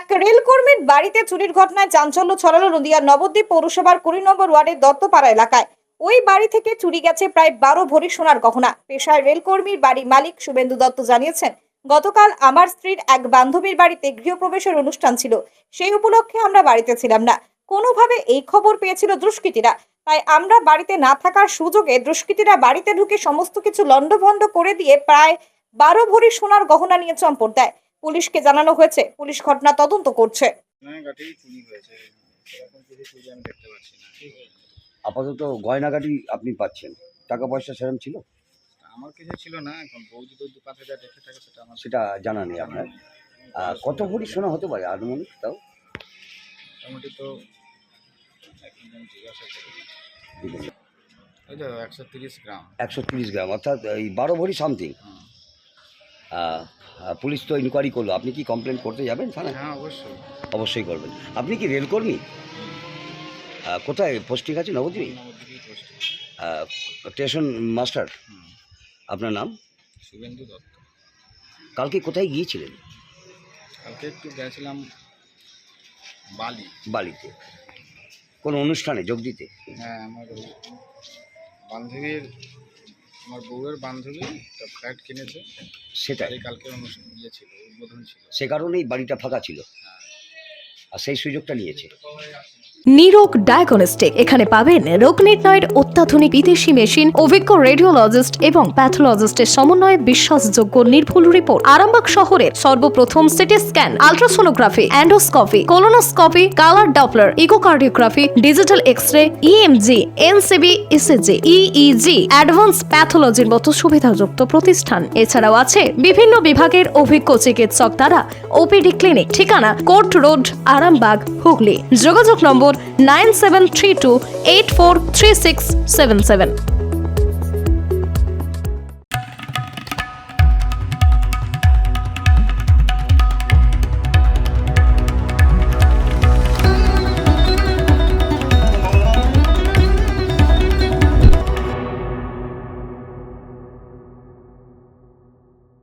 রেলকর্মীর বাড়িতে চুরির ঘটনায় চাঞ্চল্য ছড়ালো নদিয়ার নবদ্বীপ পৌরসভার 20 নম্বর ওয়ার্ডের দত্তপাড়া এলাকায়। ওই বাড়ি থেকে চুরি গেছে প্রায় 12 ভরি সোনার গহনা। পেশায় রেলকর্মীর বাড়ি মালিক শুভেন্দু দত্ত জানিয়েছেন, গতকাল আমার স্ত্রীর এক বান্ধবীর বাড়িতে গৃহপ্রবেশের অনুষ্ঠান ছিল। সেই উপলক্ষে আমরা বাড়িতে ছিলাম না। কোনোভাবে এই খবর পেয়েছিল দুষ্কৃতীরা, তাই আমরা বাড়িতে না থাকার সুযোগে দুষ্কৃতীরা বাড়িতে ঢুকে সমস্ত কিছু লণ্ডভণ্ড করে দিয়ে প্রায় 12 ভরি সোনার গহনা নিয়ে চম্পট দেয়। পুলিশকে জানানো হয়েছে, পুলিশ ঘটনা তদন্ত করছে। আপাতত গয়নাগাটি আপনি পাচ্ছেন, টাকা পয়সা সেরকম ছিল? আমার কিছু ছিল না, এখন বৌদি তো 2-5 হাজার রেখে থাকে, সেটা আমার সেটা জানা নেই আপনার। কত ভরি সোনা হতে পারে আনুমানিক? তাও মোটামুটি তো এখন জিজ্ঞাসা করি, ওই তো 130 গ্রাম। 130 গ্রাম, অর্থাৎ এই 12 ভরি সামথিং। পুলিশ তো ইনকোয়ারি করলো, আপনি কি কমপ্লেন করতে যাবেন থানায়? হ্যাঁ, অবশ্যই অবশ্যই করবেন। আপনি কি রেলকর্মী? কোথায় পোস্টিং আছে? Nabadwip station master. আপনার নাম? শুভেন্দু দত্ত। কালকে কোথায় গিয়েছিলেন? কালকে একটু গেছিলাম বালিতে, কোন অনুষ্ঠানে যোগ দিতে? হ্যাঁ, আমার বান্ধবীর, আমার বউয়ের বান্ধবী একটা ফ্ল্যাট কিনেছে, সেটাই কালকে অনুষ্ঠান ছিল, উদ্বোধন ছিল, সে কারণেই বাড়িটা ফাঁকা ছিল, আর সেই সুযোগটা নিয়েছে। নিরোগ ডায়াগনস্টিক, এখানে পাবেন রোগ নির্ণয়ের অত্যাধুনিক বিদেশি মেশিন, অভিজ্ঞ রেডিওলজিস্ট এবং প্যাথোলজিস্টের সমন্বয়ে বিশ্বাসযোগ্য নির্ভুল রিপোর্ট। আরামবাগ শহরের সর্বপ্রথম CT scan, ultrasonography, endoscopy, colonoscopy, colour doppler, echocardiography, digital X ray, EMG, NCV, ECG, EEG, advance প্যাথোলজির মতো সুবিধাযুক্ত প্রতিষ্ঠান। এছাড়াও আছে বিভিন্ন বিভাগের অভিজ্ঞ চিকিৎসক দ্বারা ওপিডি ক্লিনিক। ঠিকানা কোর্ট রোড, আরামবাগ, হুগলি। যোগাযোগ নম্বর 9732843677।